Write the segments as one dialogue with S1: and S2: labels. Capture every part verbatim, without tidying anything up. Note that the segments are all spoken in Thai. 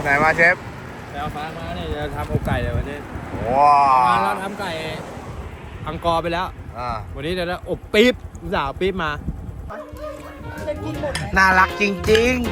S1: ไหนมาเชฟ
S2: ไปเอาฟ้ามาเนี่ยจะทำอกไก่เลยวันนี้
S1: ว้าว
S2: เราทำไก่อังกอร์ไปแล้ว
S1: อ่า
S2: วันนี้เดี๋ยวเราอบปี๊บสาวปี๊บมา
S1: น่ารักจริงๆ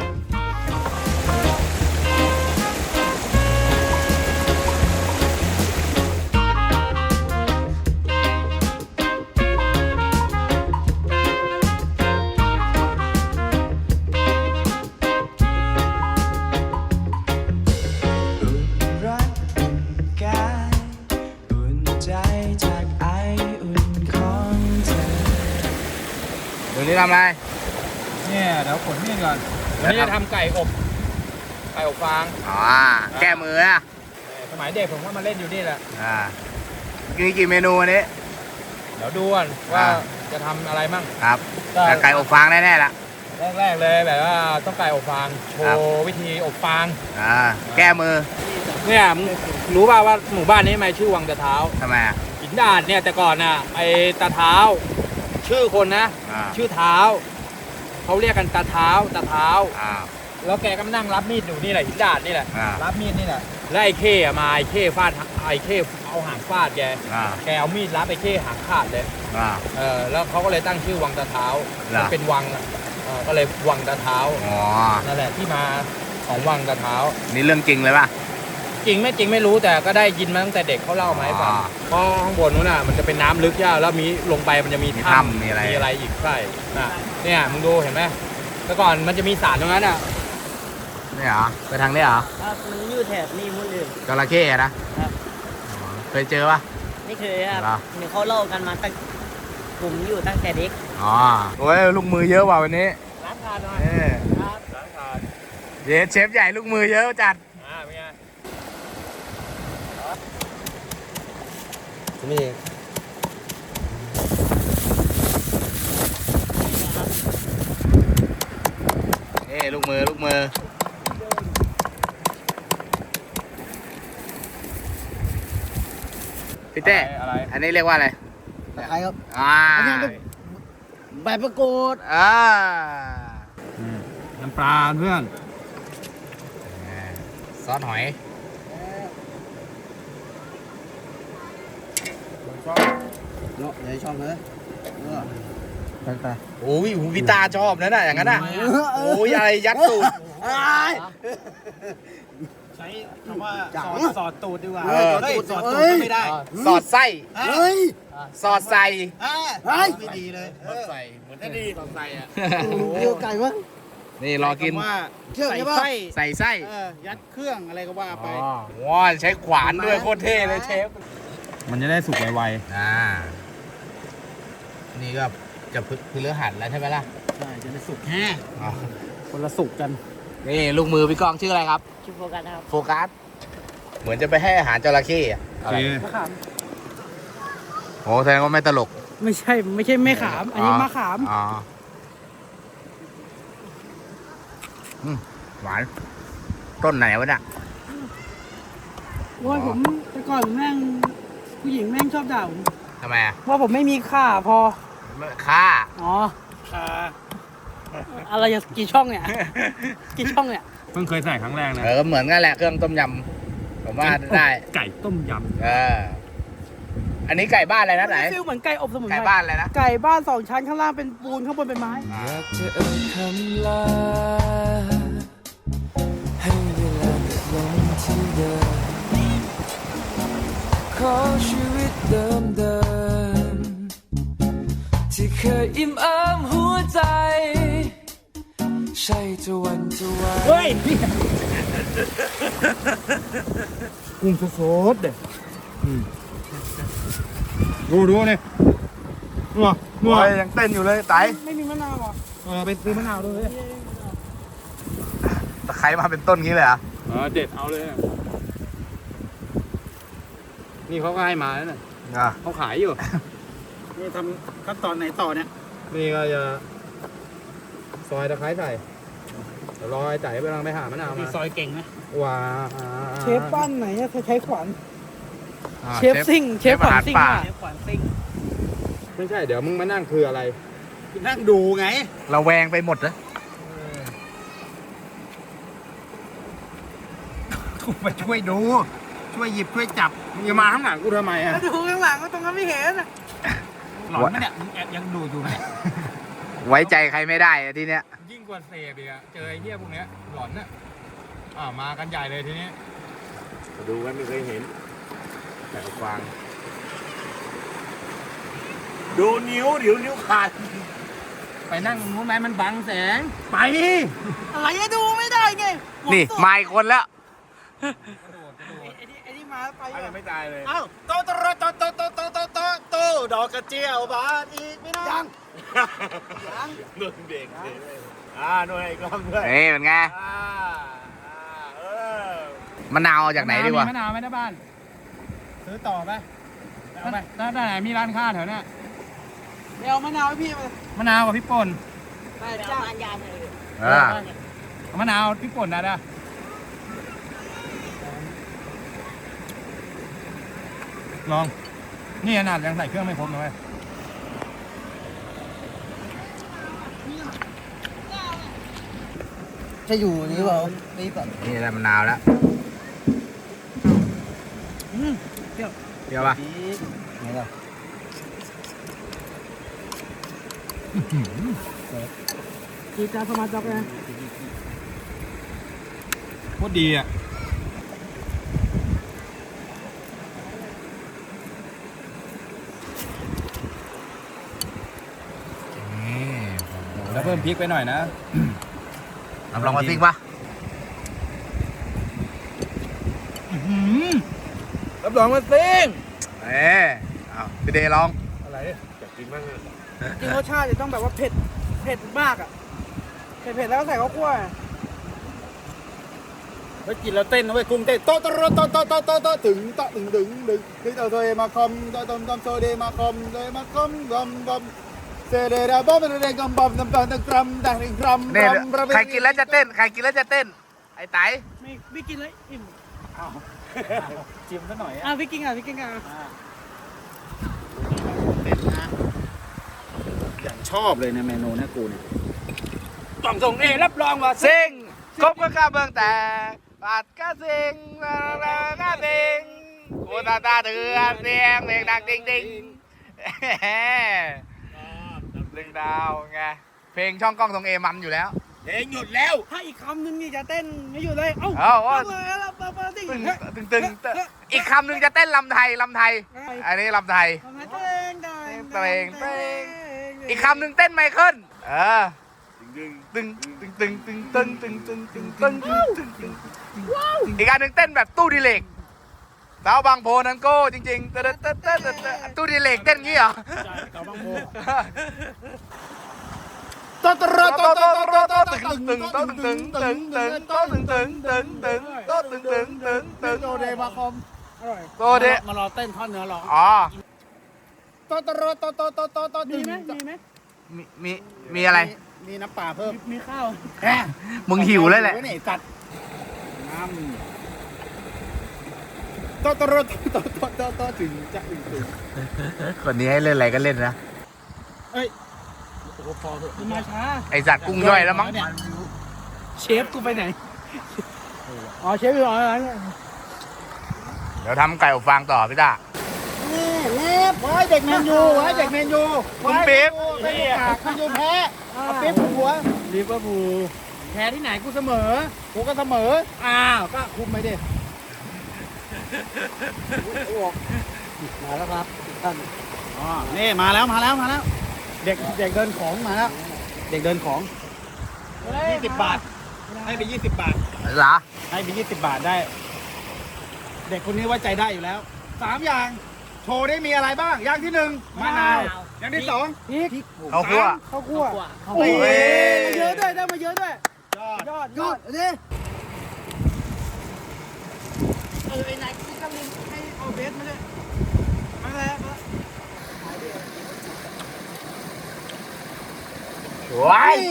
S1: วันนี้ทำอะไร
S2: เนี่ยเดี๋ยวขนนี่ก่อนวันนี้จะทำไก่อบไก่อบฟาง
S1: อ๋อแก้มืออะ
S2: สมัยเด็กผมก็มาเล่นอยู่นี่แหละ
S1: อ่ามีกี่เมนูวันนี้
S2: เดี๋ยวดูก่อนว่าจะทำอะไรมั่ง
S1: ครับแต่ไก่อบฟางแน่ๆละ
S2: แรกๆเลยแบบว่าต้องไก่อบฟางโชว์วิธีอบฟาง
S1: อ่าแก้มือ
S2: เนี่ยรู้ป่าวว่าหมู่บ้านนี้ทำไมชื่อวังตะเท้า
S1: ทำไมอ่ะ
S2: หินดาดเนี่ยแต่ก่อนน่ะไอ้ตาเท้าชื่อคนนะชื่อเท้าเขาเรียกกันตาเท้าตาเท้าแล้วแกก็นั่งรับมีดอยู่นี่แหละหินดาดนี่แหละรับมีดนี่แหละแล้วไอ้เข้มาไอ้เข้ฟาดไอ้เข้เอาหางฟาดแกแกเอามีดรับไอ้เข้หางขาดเลยเออแล้วเขาก็เลยตั้งชื่อวังตาเท้ามันเป็นวังก็เลยวังตาเท้านั่นแหละที่มาของวังตาเท้า
S1: นี่เรื่องจริงเลยป่ะ
S2: จริงไม่จริงไม่รู้แต่ก็ได้ยินมาตั้งแต่เด็กเขาเล่ามาให้ฟังเพราะข้างบนนู้นน่ะมันจะเป็นน้ำลึกใช่แล้วมีลงไปมันจะมีถ้ำ
S1: มีอะไร
S2: มีอะไรอีกใช่น่ะเนี่ยมึงดูเห็นไหมแต่ก่อนมันจะมีสารตรงนั้นอ่ะ
S1: นี่เหรอไปทางนี้เหรอ
S3: ครับมันอยู่แถบนี้หมดเลย
S1: จระเข้นะครับเคยเจอป่ะ
S3: ไม่เคยครับเดี๋ยวเขาเล่ากันมาตั้งผมอยู่ตั้งแต่เด็ก
S1: อ๋อโอ้ยลูกมือเยอะว่ะวันนี้
S2: ล้างทานหน่อย
S1: ครับล้างทานเดี๋ยวเชฟใหญ่ลูกมือเยอะจัด
S2: อ่าเป็นไง
S1: นี่นี่ลูกมือลูกมือพี่เต้อันนี้เรียกว่าอะไร
S3: ตะไคร้ครับ
S1: อ่า
S3: ใบประกูด
S1: อ่า
S2: น้ำปลาเพื่อน
S1: ซอสหอย
S3: เนาะอย่าชอบเลย
S1: ไปไปโอ้ยวิตาชอบนะน่ะอย่างนั้นน่ะโอ้ยอะไรยัดตูด
S2: ใช้คำว่าสอดตูดดีกว่า
S3: เฮ้ย
S2: สอดตูดไม่ได้
S1: สอดไส้
S3: เฮ้ย
S1: สอดใส่
S3: เฮ้ย
S2: ไม่ดีเลย
S1: สอดใส่เหมือนจะดีสอดใส่อ่ะ
S3: เกี่ยวไก่มั้ง
S1: นี่รอกิน
S3: ใส่ไส้
S1: ใส่ไส้
S2: ยัดเครื่องอะไรก็ว่าไป
S1: ว้าใช้ขวานด้วยโคตรเท่เลยเชฟ
S2: มันจะได้สุกไว
S1: ๆอ่านี่ก็จะพฤหัสแล้วใช่ไหมล่ะ
S2: ใช่จะได้สุกแฮ่คนละสุกกัน
S1: นี่ลูกมือพี่กองชื่ออะไรครับ
S3: ชื่อโฟกัสครับ
S1: โฟกัสเหมือนจะไปให้อาหารจระเข้อะไร
S2: มะขาม
S1: โอ้แสดงว่าไม่ตลก
S3: ไม่ใช่ไม่ใช่ไม่ขามอันนี้มะขาม
S1: อ๋อหวานต้นไหนวะเนี่ย
S3: ว่าผมแต่ก่อนแม่งผู้หญิงแม่งชอบด่าผม
S1: ทำไมอ่ะ
S3: ว่าผมไม่มีค่าพอ
S1: ค่า
S3: อ๋อค่าอะไรอย่างกี่ช่องเนี่ยกี่ช่องเนี่ย
S2: เพิ่งเคยใส่ครั้งแรกนะ
S1: เออเหมือนกันแหละเครื่องต้มยำผมว่าได้
S2: ไก่ต้มยำ
S1: เอออันนี้ไก่บ้านอะไรนะไหน
S3: ฟิลเหมือนไก่อบสมุนไพร
S1: ไก่บ้านอะไรนะ
S3: ไก่บ้านสองชั้นข้างล่างเป็นปูนข้างบนเป็นไม้
S4: อยากจะเอ่ยคำลาให้เวลาลงที่เดิมขอชีวิตเดิมเดิมที่เคยอิ่มเอิบหัวใจใช่จะวันจะวัน
S2: เฮ้ยกุ้งสดๆเด็ดดูดูนี่นัวนัว
S1: ยังเต้นอยู่เลยไต
S3: ไม่มีมะนาวอ่ะ
S2: เออไปซื้อมะนาวด้วย
S1: ตะไคร้มาเป็นต้นนี้เลยอ่ะ
S2: เออเด็ดเอาเลยนี่เขาก็ให้มาแล้วน่ะเขาขายอยู่นี่ทำขั้นตอนไหนต่อเนี่ยนี่ก็จะซอยตะไคร้ใส่เดี๋ยวรอไอ้ใจไปกำลังไปหามะนาวมา
S3: ซอยเก่งนะ
S2: ว้า
S3: เชฟบ้านไหนใช้ขวานเชฟซิ่งเชฟขวานซิ่งเชฟขวานซิ่ง
S2: ไม่ใช่เดี๋ยวมึงมานั่งคืออะไรนั่งดูไง
S1: เราแวงไปหมดนะถูกมาช่วยดู ช่วยหยิบช่วยจับมึงจะมาข้างหลังกูทำไมอ่ะ
S3: แล้วดูข้างหลังก็ตรงนั้นไม่เห็น
S2: หลอนไหมเนี่ยมึงแอบยังดูอยู่ไหม
S1: ไว้ใจใครไม่ได้อะทีเนี้ย
S2: ยิ่งกว่าเสพอีกอะเจอไอ้เหี้ยพวกเนี้ยหลอนน่ะอ่ามากันใหญ่เลยทีนี้
S1: ดูกันไม่เคยเห็น แต่กวาง ดูนิ้วเดี๋ยวนิ้วขาด
S2: ไปนั่งนู้นไหมมันบังแสง
S1: ไป
S3: อะไรจะดูไม่ได้ไง
S1: นี่มาอีกคนแล้ว
S3: ไอ้นี่ไอ้นี่มาไป
S1: ยังไม่ตายเลย
S3: เอ้า
S1: โตโตโตโตโตโตโตโตโตดอกกระเจียวบานอีกไม่นานยังยังหนึ่งเด็กอ่าหน่วยอีกรอบด้วยนี่เป็นไงมะนาวจากไหนดีวะ
S2: มะนาวไหมนะบ้าน ซื้อต่อไปเอาไปถ้าไหนมีร้านค้าแถวเนี้ย
S3: เดี๋ยวมะนาวให้พี่มาม
S2: ะนาวกับพริกป่น
S3: ไปจ้างยาเลย
S1: อ่า
S2: เอามะนาวพริกป่นนะเด้อลอง นี่ขนาดยังใส่เครื่องไม่ครบเลย
S3: จะอยู่นี่เปล่านี่ก่อน
S1: นี่แหละมะนาวแล้ว
S3: อืมเปรี้ยว
S1: เปรี้ยวป่ะ
S3: นี่ล่ะจีจาสมาจับนะ
S2: โคตรดีอ่ะ แล้วเพิ่มพริกไปหน่อยนะ
S1: รับรองว่าซิ่งป่ะ
S2: รับรองว่าซิ่ง
S1: เอ๊ะเอาพี่เดย์ลอง
S2: อะไร
S1: อยากกินบ้างเลย
S3: จริงรสชาติจะต้องแบบว่าเผ็ดเผ็ดมากอ่ะเผ็ดเผ็ดแล้วก็ใส่ข้าวคั่ว
S2: เฮ้ยกินแล้วเต้นนะเว้ยกุ้งเต้นโตโตโตโตโตโตโตถึงโตถึงถึงถึงถึงโตโตเอมาคอมโตโตโตโตเดมาคอมเดมาคอมบอมบอมเซเดดาบอมเดเดกัมบอมน้ำตาลตะกรัมดังกรัม
S1: เนี่ยใครกินแล้วจะเต้น ใครกินแล้วจะเต้น ไอ้ไต
S3: ไม่ไม่กินเลยอิ่ม
S2: จิ้มซะหน่อย
S3: อ่ะพี่กินอ่ะพี่กินอ่ะ
S2: อย่างชอบเลยในเมนูเนี่ยกูเนี่ยกล่องส่งเอรับรองว่า
S1: ซิ่งครบก็ข้าเบืองแต่ปาดก็ซิ่งลาลาก็ซิ่งกูตาตาเถื่อนเสียงเพลงดังจริงจริงดึงดาวไง เพลงช่องกล้องตรงเอมันอยู่แล้ว
S2: เพลงหยุดแล้ว
S3: ถ้าอีกคำหนึงนี่จะเต้นไม่อยู่เลย เอ้า
S1: เอ้าว่า
S3: เลยแล้วปะปะติ้ง
S1: ตึงตึงตึงตึงอีกคำหนึ่งจะเต้นลำไทยลำไทย อันนี้ลำไทย
S3: ทำไมเต้งเต้ง
S1: เต้งเต้ง อีกคำหนึ่งเต้นไมเคิลเออตึงตึงตึงตึงตึงตึงตึงตึงตึงตึงตึงตึงตึงอีกอันหนึ่งเต้นแบบตู้ดิเลกสาวบางโพนันโก้จริงๆเต้นเต้นเต้นเต้นตู้ดิเลกเต้นงี้เหรอ
S2: สาวบางโพ
S1: โตโตโตโตโตโตตึงตึงโตตึงตึงตึงโตตึงตึงตึงตึงโตตึงตึงตึงตึง
S2: โตเดมาคอม
S3: อร่อย
S1: โตเด
S2: มารอเต้นท่อนเนื้อร้อง
S1: อ๋อ
S2: โตโตโตโตโตโตโต
S3: มีไหมมีไหม
S1: มีมีมีอะไร
S2: มีน้ำปลาเพิ่ม
S3: มีข้าว
S2: แหม
S1: มึงหิวแล้วแหละ
S2: นี่สัตว์น้ำโตโตโตโตโตโตโตถึงจะถึงถึง
S1: คนนี้ให้เล่นอะไรก็เล่นนะ
S2: เอ้ยโอ้โหพอเถอะ
S3: มันมาช้า
S1: ไอสัตว์กุ้งย่อยแล้วมั้ง
S3: เชฟกูไปไหน อ๋อเชฟอยู่อ๋ออะไรเนี่ย
S1: เดี๋ยวทำไก่อบฟางต่อพี่ตา
S2: เล็บไว้เด็กแมนยูไว้เด็กแมนยู
S1: คุณปิ๊บ
S2: ไม่ได้ปากแมนยูแพ้เอาปิ๊บหัวลิเวอร์พูลแพ้ที่ไหนกูเสมอกูก็เสมออ้าวก็คุมไปดิมาแล้วครับท่านอ๋อนี่มาแล้วมาแล้วมาแล้ว เด็กเด็กเดินของมาแล้วเด็กเดินของยี่สิบบาทให้ไปยี่สิบบาท
S1: เหรอ
S2: ให้ไปยี่สิบบาทได้ เด็กคนนี้ไว้ใจได้อยู่แล้วสามอย่างโชว์ได้มีอะไรบ้าง อย่างที่หนึ่งมะนาวอย่างที่สอง
S3: พริก
S1: เขาคั่ว
S3: ข้าวคั่ว
S2: โอ้
S3: โอ้
S2: ย
S3: ยเยอะด้วยได้มาเยอะด้วย
S2: ยอด
S3: ยอดยอดนี่เออไอ้นายที่กำลังให้เอาเบสมาด้วยมาแล้วมา
S1: ว้าย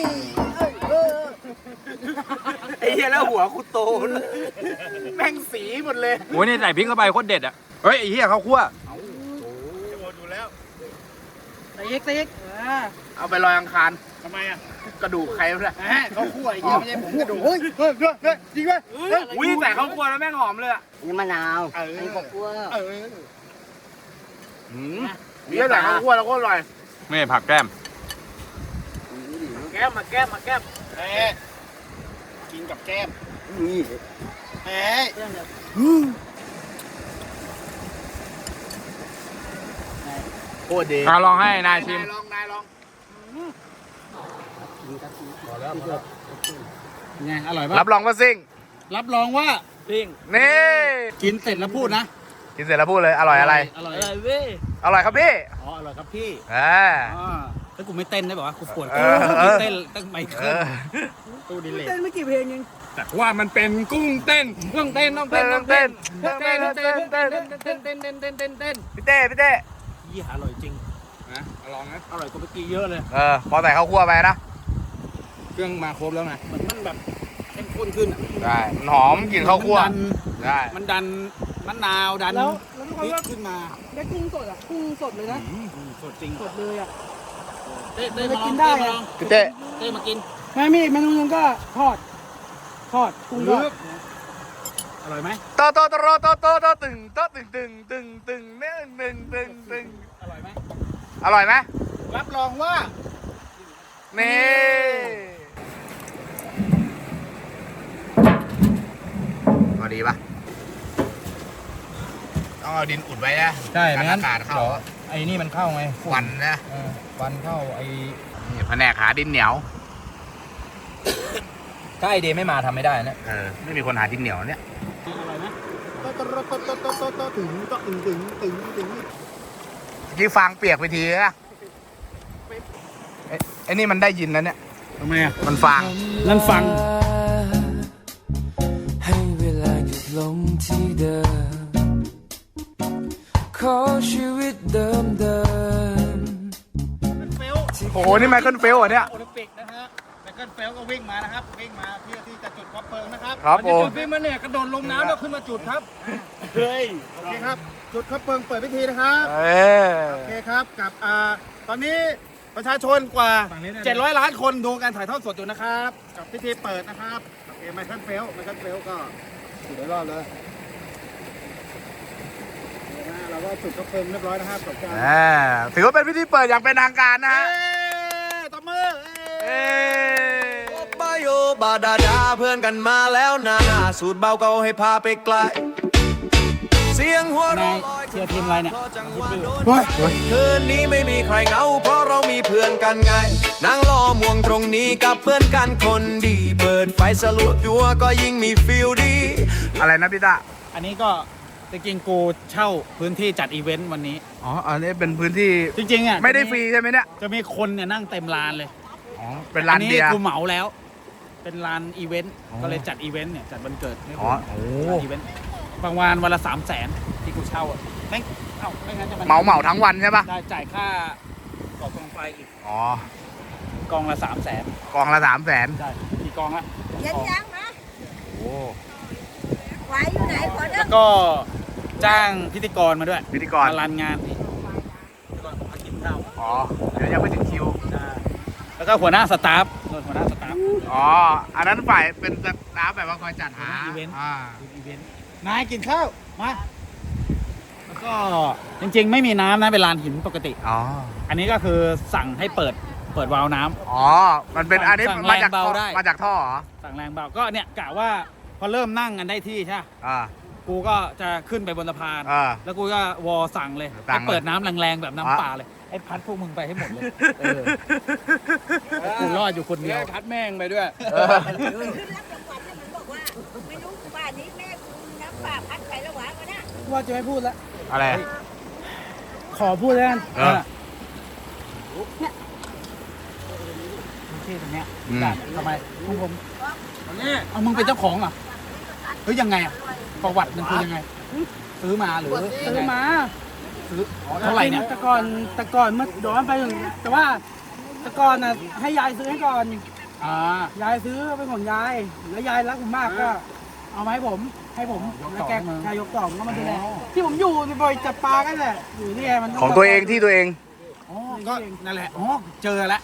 S1: ไอ้เหี้ยแล้วหัวกูโตแม่งสีหมดเลย
S2: โอ้ยนี่ใส่พริกเข้าไปโคตรเด็ดอ่ะเฮ้ยไอ้เหี้ยเขาคั่ว
S3: ใส่เอ็กใส่เอ็กอ่า
S1: เอาไปลอยอังคาร
S2: ทำไมอ่ะ
S3: ไป
S1: กระดูกใครวะเนี่ย
S2: เขาคั่วไอ้เหี้ยไม่ใช่ผมกระดูก
S3: เฮ้ยเฮ้ยเฮ้ยเฮ้ยจริงไหม
S1: อุ้ยแต่เขาคั่วแล้วแม่งหอมเลยอ่ะ
S5: นี่มะนาว
S3: เออ
S5: นี่ข้าวคั่ว
S3: เออ
S1: อืมนี่แต่เขาคั่วแล้วก็อร่อย
S2: ไม่ผักแก้ม
S1: แก้มมาแก้มมาแก้ม
S3: เอ๊ะกินกับแก้ม
S5: นี่
S3: เอ๊ะ
S1: โคตรดี
S2: ลองให้นายชิม
S1: ลองนายลอง
S3: ไงอร่อยปะ
S1: รับรองว่าซิ่ง
S3: รับรองว่า
S2: ปิ้ง
S1: นี่
S3: กินเสร็จแล้วพูดนะ
S1: กินเสร็จแล้วพูดเลยอร่อยอะไร
S3: อร่อย
S2: อะไรเว้ย
S1: อร่อยครับพี่
S3: อ๋ออร่อยครับพี่
S1: อ่า
S3: อ่าแล้วกูไม่เต้นได้บอกว่ากูปวด
S1: เออเออ
S3: เต้นตั้งไม
S1: เอ
S3: เคิล
S1: อ
S3: ตู้ดิเลก
S5: เต้นไม่กี่เพลงเอง
S2: แต่ว่ามันเป็นกุ้งเต้นกุ้งเต้นต้อง
S1: เต้
S2: เต้
S1: น
S2: นต้อง
S1: เต้
S2: เต้
S1: น
S2: น
S1: เต้น
S2: เต้น
S1: เต้น
S2: เต้น
S1: เต้น
S2: เต้นเต้นเต้นเต้นเต้นเต้น
S1: พี่เต้พี่เต้
S3: ยี่หาอร่อยจริง
S2: นะลองนะ
S3: อร่อยกว่าเมื่อกี้เยอะเลย
S1: เออพอใส่ข้าวคั่วไปนะ
S2: เครื่องมาครบแล้วไง
S3: เหมือนมันแบบเข้มข้นขึ้นอะ
S1: ได้มันหอมกลิ่นข้าวคั่ว
S3: มันดัน
S1: ได้
S3: มันดันมะนาวดัน
S5: แล้วแล้วทุก
S3: พ
S5: คน
S3: ริก
S5: ว่า
S3: ขึ้นมา
S5: ได้กุ้งสดอ่ะกุ้งสดเลยนะ
S3: อืมสดจริง
S5: สดเลยอ่ะ
S3: เต้เต้
S5: ไม่
S3: มาล
S5: กิ
S3: อง
S5: นได้
S3: เต้มา
S5: อะ
S3: ลอง
S1: พี่เต้
S3: เต้มากิน
S5: ไม่มีเมนูนึงก็ทอด ทอดกุ้งทอด
S3: อร่อยไหม
S1: โตโตโตโตโตโตตึงโตตึงตึงตึงตึงเนี่ยตึงตึงตึง
S3: อร่อยไหม
S1: อร่อยไหม
S3: รับรองว่า
S1: นี่พอดีปะต้องเอาดินอุดไว้นะ
S2: ใช่
S1: กัน
S2: ไม่งั้น
S1: อากาศเข้า
S2: ไอ้นี่มันเข้าไง
S1: ควันนะ
S2: เออควันเข้าไอ้
S1: นี่แผนกหาดินเหนียว
S2: ถ้าไอเดย์ไม่มาทำไม่ได้นะ
S1: เออไม่มีคนหาดินเหนียวเนี่ย
S3: อร่อยไหมโตโตโตโตโตโตโตถึงโตถึงถึงถึงถึง
S1: ยี่ฟางเปียกไปทีนะไอ้ไอ้นี่มันได้ยินนะเนี่ย
S3: ทำไมอ่ะ
S1: มันฟาง
S3: นั่นฟัง
S4: ให้เวลาหยุดลงที่เดิม ขอชีวิตเดิมเดิม
S1: โอ้โหนี่ไมเคิลเฟลเหรอเนี่ย
S3: โอลิมปิกนะฮะไมเคิลเฟลก็วิ่งมานะครับ วิ่งมาเพื่อที่จะจุดคบเพลิงนะครับ
S1: ครับ
S3: มัน
S1: ผ
S3: จะ
S1: ม
S3: จุดวิ่งมาเนี่ยกระโดดลงน้ำแล้วขึ้นมาจุดครับเฮ้ยโอเคครับ จุดคบเพลิงเปิดพิธีนะครับ
S1: เออ
S3: โอเคครับกับอ่าตอนนี้ประชาชนกว่าเจ็ดร้อยล้านคนดูการถ่ายทอดสดอยู่นะครับกับพิธีเปิดนะครับโอเคไมเคิลเฟลไมเคิลเฟลก็อยู่ในรอบเลยนะเราก็จุดคบเพลิงเรียบร้อยนะครับจบการ
S1: อ่าถือว่าเป็นพิธีเปิดอย่างเป็นทางการนะ
S3: เอ้
S1: ฮะ
S3: ยตบมือเอ้
S1: เอ้
S3: ย
S6: บายโยบาดาดาเพื่อนกันมาแล้วนะสูตรเบาเก่าให้พาไปไกล เสียงหัวเราะลอย
S3: เชียร์ทีมอะไรเนี่ย
S6: เพราะจังหวะโดนคืนนี้ไม่มีใครเหงาเพราะเรามีเพื่อนกันไงนั่งรอม่วงตรงนี้กับเพื่อนกันคนดี เปิดไฟสลัวยัวก็ยิ่งมีฟิลดี
S1: อะไรนะพี่ตา
S3: อันนี้ก็จริงๆกูเช่าพื้นที่จัดอีเวนต์วันนี้
S1: อ๋อ อันนี้เป็นพื้นที่
S3: จริงๆอ่ะ
S1: ไม่ได้ฟรีใช่ไหมเนี่ย
S3: จะมีคนเนี่ยนั่งเต็มลานเลย
S1: อ๋อ เป็นร้าน
S3: อั
S1: เบียร์
S3: กูเหมาแล้ว เป็นลานอีเวนต์
S1: อ๋อ
S3: ก็เลยจัดอีเวนต์เนี่ยจัดวันเกิดให้
S1: อ๋
S3: ค
S1: อ
S3: น
S1: โอ้
S3: จัดอีเวนต์บางวันวันละสามแสนที่กูเช่าอ่ะแม่งเอ้าไม่งั้นจะ
S1: เหมาเหมาทั้งวันใช่ปะ
S3: ได้จ่ายค่าก่อกองไฟอีก
S1: อ๋อ
S3: กองละสามแสน
S1: กองละสามแสน
S3: ได้กี่กองละ
S7: เย็นยังนะ
S1: โอ้
S7: ไหวอยู่ไหนขอเด้
S3: แล้
S7: อ
S3: วก็จ้างพิธีกรมาด้วย
S1: พิธีกร
S3: มารันงานนี่พิธีกรมากินข้าว
S1: อ๋อ เดี๋ยวยังไม่ถึงคิว
S3: ได้แล้วก็หัวหน้าสตาฟโดนหัวหน้าสตาฟ
S1: อ๋อ อันนั้นฝ่ายเป็นสตาฟแบบว่าคอยจัดหา
S3: อีเวนต์
S1: อ่า
S3: อีเวนต์นายกินข้าว มา แล้วก็จริงๆ ไม่มีน้ำนะเป็นลานหินปกติ
S1: อ๋อ
S3: อันนี้ก็คือสั่งให้เปิดเปิดวาล์วน้ำ
S1: อ๋อ มันเป็นอันนี้
S3: สั่ง
S1: มาจาก
S3: แรงเบา
S1: ท่อ
S3: ได้
S1: มาจากท่อเหรอ
S3: สั่งแรงเบาก็เนี่ยกะว่าพอเริ่มนั่งกันได้ที่ใช่ปะ
S1: อ่า
S3: กูก็จะขึ้นไปบนสะพาน
S1: อ่า
S3: แล้วกูก็วอสั่งเลย
S1: สั่
S3: ให้
S1: งเลย
S3: เปิดน้ำแรงๆแบบน้ำ
S1: อ่ะ
S3: ป่าเลยไอ้พัดพวกมึงไปให้หมดเลยเออกูรอดอยู่คนเดียว
S2: พัดแม่งไปด้วย
S7: ขึ้นรับรางวัลเนี่ยมันบอกว่า ไม่รู้ป่านนี้แม่กูน้ำป่าพัดไปแล้วหวานวะเนี่ย
S5: ว่าจะไม่พูดแล้ว
S1: อะไร
S5: ขอพูดแล้วกัน
S1: เออ
S3: ที่ตรงเนี้ย
S1: อืม
S3: จัดทำไมของผมเอามึงเป็นเจ้าของเหรอ่ะเฮ้ยยังไงอ่ะประวัติมันคือยังไง ซื้อมาหรือ
S5: ซื้อมา
S3: ซื้ออ๋อเท่าไหร่เนี่ย
S5: แต่ก่อนแต่ก่อนเมื่อย้อนไปถึงแต่ว่าแต่ก่อนน่ะให้ยายซื้อให้ก่อน
S3: อ่าย
S5: ายซื้อเป็นของยาย แล้วยายรักผมมากก็ เอามาให้ผม ให้ผมแล้วแกชายยกต่อมก็มาดูแลที่ผมอยู่บ่อยจับปลากันแหละอยู่ที่ไงมัน
S1: ของตัวเองที่ตัวเอง
S3: อ๋อก็นั่นแหละอ๋อเจอแล้ว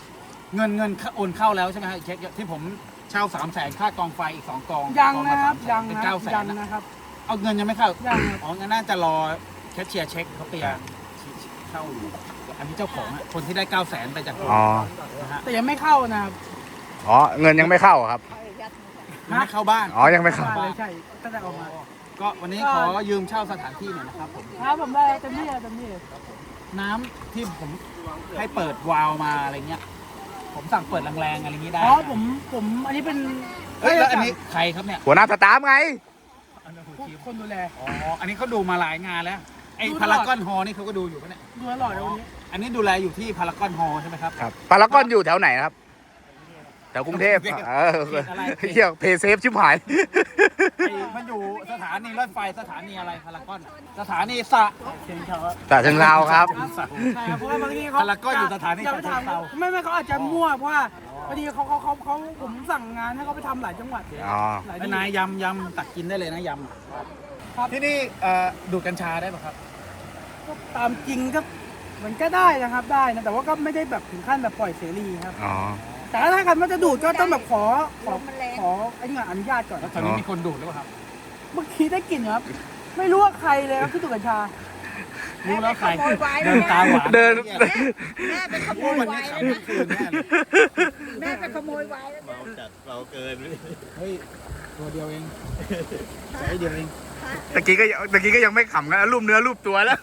S3: เงินเงินโอนเข้าแล้วใช่ไหมฮะเช็คที่ผมเช่าสามแสนค่ากองไฟอีกสองกอง
S5: ยัง
S3: กอง
S5: นะ
S3: ละ
S5: ครับ
S3: สามแส
S5: ยัง
S3: เป็น
S5: นะ
S3: เก้าแส
S5: ยั
S3: น
S5: ง
S3: นะ
S5: นะครับ
S3: เอาเงินยังไม่เข้า
S5: ยังครับ
S3: อ๋องั้นน่าจะรอแคชเชียร์เช็คเขาเปียร์เข้าอยู่อันนี้เจ้าของอะคนที่ได้เก้าแสนไปจากผม
S1: อ๋อ
S3: นะฮะ
S5: แต่ยังไม่เข้านะครับ
S1: อ๋อ เงินยังไม่เข้าครับ
S3: ยังไม่เข้าบ้าน
S1: อ๋อ ยังไม่เข้า
S5: บ้านเลยใช่ก็จะออกมา
S3: ก็วันนี้ขอยืมเช่าสถานที่หน่อยนะครับผม
S5: ครับผมได้เต็มที่เต็มที่
S3: น้ำที่ผมให้เปิดวาล์วมาอะไรเงี้ย ผมสั่งเปิดแรงๆอะไรอย่างนี้ได้
S5: อ๋อผมผมอันนี้เป็น
S3: เฮ้ยแล้วอันนี้ใครครับเนี่ย
S1: หัวหน้าสตาฟไง
S5: คนดูแล
S3: อ๋ออันนี้เขาดูมาหลายงานแล้วไอ้
S5: ดูตลอด
S3: พารากอนฮอลนี่เขาก็ดูอยู่ปะเนี่ย
S5: ดูตลอดเลยวันนี้
S3: อันนี้ดูแลอยู่ที่พารากอนฮอลใช่ไหมครับ
S1: ครับปารากอนอยู่แถวไหนครับ แถวกรุงเทพ
S3: กรุงเทพ
S1: เออ
S3: เขตอะไร
S1: เฮียเพย์เซฟชิบหาย
S3: ไอ้มันอยู่สถานีรถไฟสถานีอะไรพารากอนสถานีสระ
S5: เชียงเขา
S1: แต่เชิงเราครับ
S5: ใช่ครับเพราะว่าบางทีเขา
S3: พารากอนอยู่สถานี
S5: จะไปถาม
S3: เชิงเทรา
S5: ไม่ไม่เขาอาจจะมั่วเพราะว่าพอดีเขาเขาเขาเขาผมสั่งงานให้เขาไปทำหลายจังหวัด
S1: อ๋อ
S5: หลาย
S3: ไอ้
S5: ที่
S3: นายยำยำตักกินได้เลยนะย
S5: ครับ
S3: ำที่นี่เอ่อดูดกัญชาได้ป่ะครับ
S5: ก็ตามจริงก็มันก็ได้นะครับได้นะแต่ว่าก็ไม่ได้แบบถึงขั้นแบบปล่อยเสรีครับ
S1: อ๋อ
S5: แต่ถ้าใครมันจะดูดก็ต้องแบบขอขอ
S7: ลมมันแรง
S5: ขอไอ้นี่ก่อนอนุญาตก่อน
S3: แล้วตอนนี้มีคนดูดหรือเปล่าครับ
S5: เมื่อกี้ได้กลิ่นครับ ไม่รู้ว่าใครเลยครับที่ดูดกัญชา
S3: รู้แล้วใคร
S7: แม่ไปขโมยไว้
S3: เดินตาหวาน
S1: เดิน
S3: เนี่ย
S7: แม่ไปขโมย
S3: วัน
S7: ไว้
S3: นี้
S7: แล้ว
S3: ขับ
S7: นะ
S3: คืนแน่เลย
S7: แม่ไปขโมยไว้แล้วนะ
S3: เฮ้ยตัวเดียวเองใช้เดียวเอง
S1: ตะกี้ก็ยังตะกี้ก็ยังไม่ขำกันรูปเนื้อรูปตัวแล้ว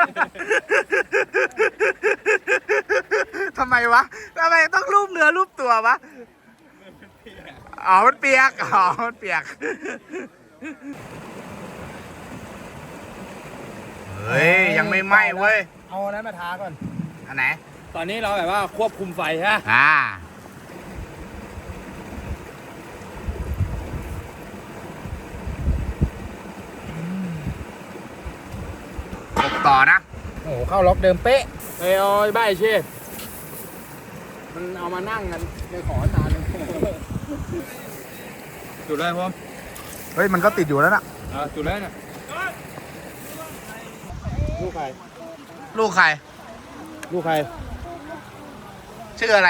S1: ทำไมวะทำไมต้องรูปเนื้อรูปตัววะ อ๋อ มันเปียก อ๋อ มันเปียก เฮ้ย ยังไม่ไหม้เว้ย
S3: เอาอันนั้นมาทาก่อน
S1: อันไหน
S2: ตอนนี้เราแบบว่าควบคุมไฟฮะ
S1: อ่าอบต่อนะ
S3: โอ้โหเข้าล็อกเดิมเป๊ะ
S2: เฮ้ยโอ้ยใบเช่
S3: มันเอามานั่งกันเลยขอทานเลย
S2: จุดเลยผม
S1: เฮ้ย มันก็ติดอยู่แล้วนะ
S2: อ่าจุดเลยเนี่ย
S3: ลูกใคร
S1: ลูกใคร
S3: ลูกใคร
S1: ชื่ออะไร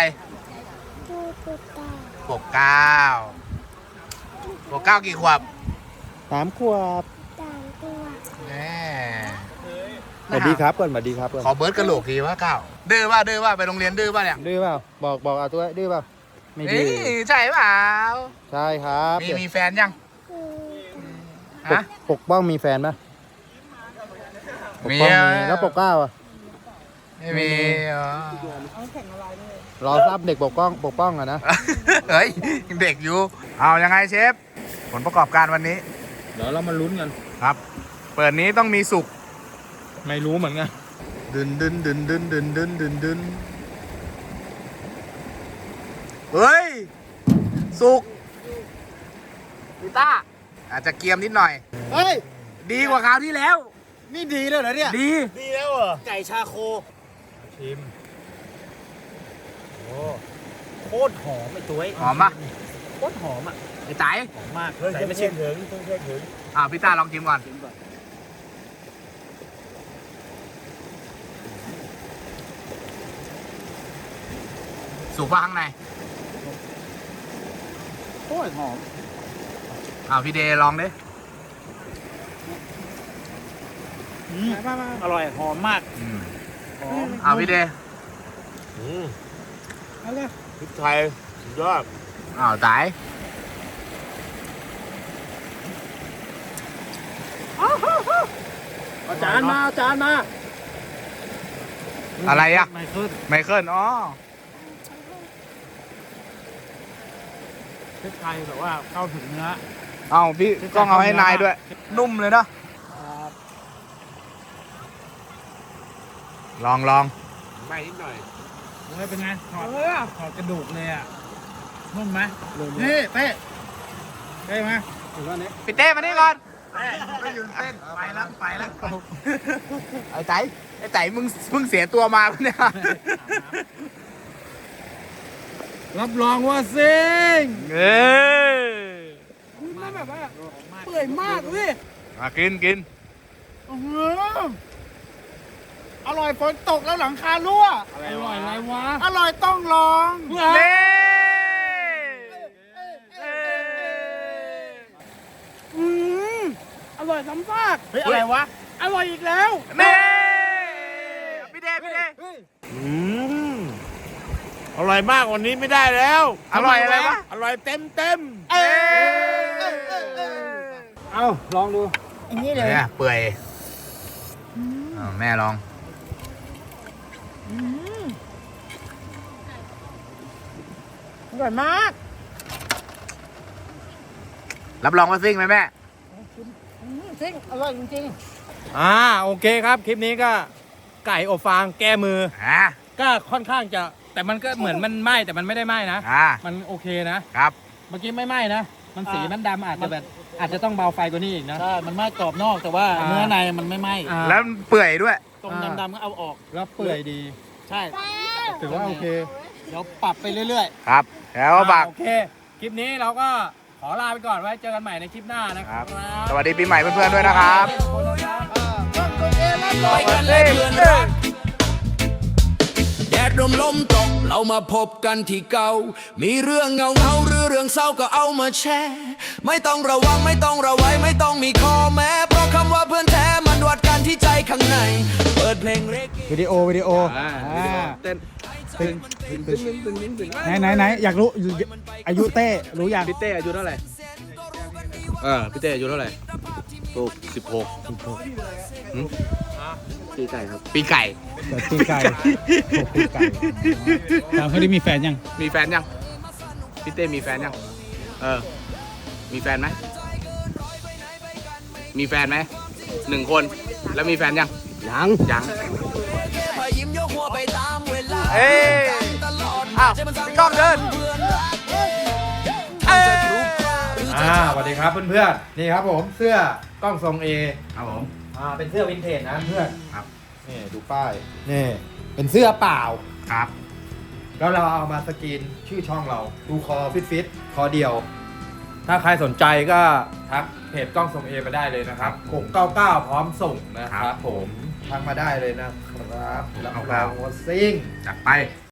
S1: ปกเก้าปกเก้ากี่ขวบ
S3: สามขวบ
S1: แน่
S3: สวัสดีครับก่อนสวัสดีครับก่อน
S1: ขอเบิร์ดกระโหลกทีว่าเก้าดื้อป่ะดื้อป่ะไปโรงเรียนดื้อป่ะเนี่ย
S3: ดื้อเปล่าบอกบอกเอาตัวดื้อเปล่าไม่ดื้
S1: นี่
S3: อ
S1: ใช่เปล่า
S3: ใช่ครับ
S1: มีมีแฟนยัง
S3: ป
S1: ฮะ
S3: กปกป้องมีแฟนไหมปก
S1: มี
S3: ป้อง
S1: อ่ะ
S3: มีแล้วปกเกล้าอ่ะ
S1: ไม่มีอ๋อ
S3: รอทราบเด็กปกป้องปกป้องอ่ะนะ
S1: เฮ้ยยังเด็กอยู่เอายังไงเชฟผลประกอบการวันนี้
S2: เดี๋ยวเรามาลุ้นกัน
S1: ครับ เปิดนี้ต้องมีสุก
S2: ไม่รู้เหมือนกัน
S1: ดึนดึนดึนดึนดึนดึนดึนดึนเฮ้ย สุกพิต้าอาจจะเกรียมนิดหน่อย
S3: เฮ้ย
S1: ดีกว่าคราวที่แล้ว
S3: นี่ดีเลยเหรอเนี่ย
S1: ดี
S3: ดีแล้วเหรอไก่ชาโค
S2: ชิม
S3: โอ้โคตรหอมไอ้ตัว
S1: หอมปะ
S3: โคตรหอมอ่ะ
S1: ไอ้ไต๋
S3: หอมมากใส่ไม่ชิมถึงเพิ่งเพิ่งถึง
S1: อ่าพี่ต้าลองชิมก่อน สุกป่ะข้างใน
S3: โคตรหอม
S1: อ่าพี่เดย์ลองดิ
S3: อร่อยหอมมาก
S1: อืม
S3: หอม
S1: อ่าพี่เดย์
S5: เอาเลย
S3: พริกไทยสุดยอด
S1: อ้าวไต๋
S3: เอาจานมาเอาจานมา
S1: อะไรอ่ะ
S3: ไม่ขึ้น
S1: ไมเคิลอ๋อ
S3: พริกไทยแบบว่าเข้าถึงเนื้อ
S1: เอาพี่กล้องเอาให้นายด้วย นุ่มเลยเนาะลองลอง
S3: ไม่นิดหน่อยเฮ้ยเป็นไงถอด
S5: เออ
S3: ถอดกระดูกเลยอ่ะนุ่มไหมนี่เป๊ะเป๊ะไหมถือว่านี้
S1: พี่เต้มานี่ก่อนไม่ยืนเต้นไปแล้วไปแล้วไอ้ไต๋ไอ้ไต๋มึงเพิ่งเสียตัวมาปะเนี่ย
S3: รับรองว่าซิง
S1: เอ้ย
S5: มันแบบว่าเปื่อยมากเลย
S1: มากินกิน
S5: โอ้โห
S3: อร่อยฝนตกแล้วหลังคารั่ว
S2: อร่อยอะไรวะ
S3: อร่อยต้องลอง
S1: เน่
S5: อืมอร่อยซ้ำซาก
S3: เฮ้ยอะไรวะ
S5: อร่อยอีกแล้ว
S1: เน่พี่เดพี่เด
S3: อืมอร่อยมากวันนี้ไม่ได้แล้ว
S1: อร่อยอะไรวะ
S3: อร่อยเต็มเต็ม
S1: เอ้ย
S2: เอาลองดู
S5: อย่างนี้เลย
S1: เนี่ยเปื่อยอ้าวแม่ลอง
S5: อร่อยมาก
S1: รับรองว่าซิ่งไหมแม่
S5: อืมจริงอร่อยจริง
S2: อ่าโอเคครับ คลิปนี้ก็ไก่อบฟางแก้มือ
S1: อ่า
S2: ก็ค่อนข้างจะ แต่มันก็เหมือนมันไหม้แต่มันไม่ได้ไหม้นะ
S1: อ่า
S2: มันโอเคนะ
S1: ครับ
S2: เมื่อกี้ไม่ไหม้นะ มันสีมันดำอาจจะแบบอาจจะต้องเบาไฟกว่านี้อีกนะ
S3: ใช่ มันไหม้กรอบนอกแต่ว่า
S2: อ่า
S3: เนื้อในมันไม่ไหม้
S2: อ่า
S1: แล้วเปื่อยด้วย
S3: ตรงดำๆก็เอาออก
S2: แล้วเปื่อยดี
S3: ใช่
S2: ถือว่าโอเค
S3: เดี๋ยวปรับไปเรื่อย
S1: ครับ แล้วก็ฝาก
S2: โอเค คลิปนี้เราก็ขอลาไปก่อนไว้เจอกันใหม่ในคลิปหน้านะ
S1: ค
S2: ค
S1: รั
S2: รับ บ
S1: สวัสดีปีใหม่เพื่อนๆด้วยนะครับ
S6: ไปกันเลยเพื่อนรักแดดลมลมตกเรามาพบกันที่เก่า มีเรื่องเงาเงาหรือเรื่องเศร้าก็เอามาแชร์ ไม่ต้องระวังไม่ต้องระไว้ไม่ต้องมีข้อแม้ เพราะคำว่าเพื่อนแท้มันวัดกันที่ใจข้างใน เปิดเพลงเรกเก้
S3: วิดีโอวิดีโอ
S1: เต้น
S3: ไหนไหนไหนอยากรู้อายุเต้รู้ยัง
S8: พี่เต้อายุเท่าไหร่ เออพี่เต้อายุเท่าไหร่ถูกสิบหกปีไก่ครับ
S1: ปีไก่
S3: ปีไก่ปีไก่ถามเขาได้มีแฟนยัง
S1: มีแฟนยัง พี่เต้มีแฟนยัง เออ มีแฟนไหม มีแฟนไหม หนึ่งคน แล้วมีแฟนยัง ยัง ยัง
S6: พอยิ้มยกหัวไปตามเวลา
S1: เอ้ย
S6: ตลอด
S1: อ้าวพี่ก้องเดิน เอ้ย
S2: อ่าสวัสดีครับเพื่อนๆ นี่ครับผมเสื้อกล้องทรงเอ
S1: ครับผม
S2: อ่าเป็นเสื้อวินเทจนะเพื่อน
S1: ครับ
S2: นี่ดูป้าย นี่เป็นเสื้อเปล่า
S1: ครับ
S2: แล้วเราเอามาสกรีนชื่อช่องเรา ดูคอฟิตฟิตคอเดียว ถ้าใครสนใจก็ทักเพจกล้องทรงเอมาได้เลยนะครับหกเก้าเก้าพร้อมส่งนะครับผมทักมาได้เลยนะครับรับรองว่าซิ่ง
S1: จัดไป